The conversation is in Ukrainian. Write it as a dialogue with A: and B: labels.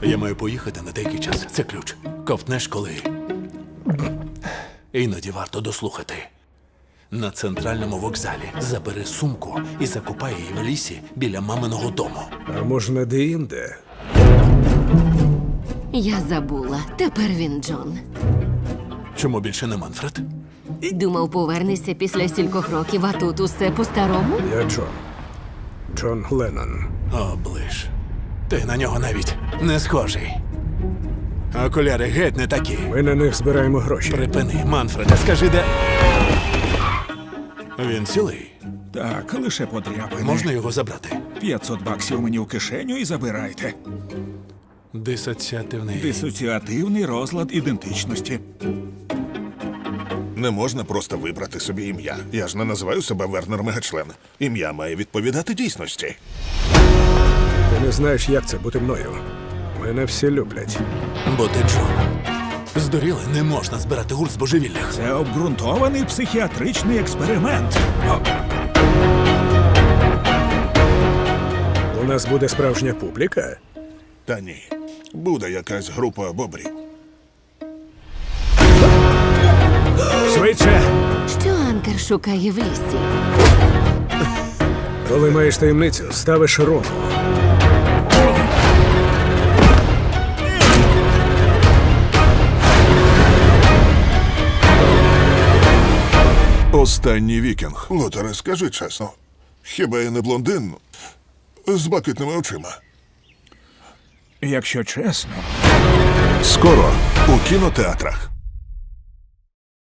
A: Я маю поїхати на деякий час. Це ключ. Ковтнеш коли. Іноді варто дослухати. На центральному вокзалі забери сумку і закопай її в лісі біля маминого дому.
B: А можна де-інде?
C: Я забула. Тепер він Джон.
A: Чому більше не Манфред?
C: Думав, повернешся після стількох років, а тут усе по-старому?
B: Я Джон. Джон Леннон.
A: Оближ. Ти на нього навіть не схожий. Окуляри геть не такі.
B: Ми на них збираємо гроші.
A: Припини, Манфреде, скажи, де. Він цілий.
D: Так, лише подряпини.
A: Можна його забрати?
D: 500 баксів мені в кишеню і забирайте.
A: Дисоціативний.
D: Дисоціативний розлад ідентичності.
E: Не можна просто вибрати собі ім'я. Я ж не називаю себе Вернер Мегачлен. Ім'я має відповідати дійсності.
B: Ти не знаєш, як це бути мною. Мене всі люблять.
A: Бо ти Джон. Здуріли, не можна збирати гурт з божевіллях.
D: Це обґрунтований психіатричний експеримент.
B: У нас буде справжня публіка.
E: Та ні. Буде якась група бобрів.
B: Швидше!
C: Що Анкер шукає в лісі?
B: Коли маєш таємницю, ставиш руку.
E: Останній вікінг. Лотере, скажи чесно. Хіба я не блондин з блакитними очима?
D: Якщо чесно,
E: Скоро у кінотеатрах.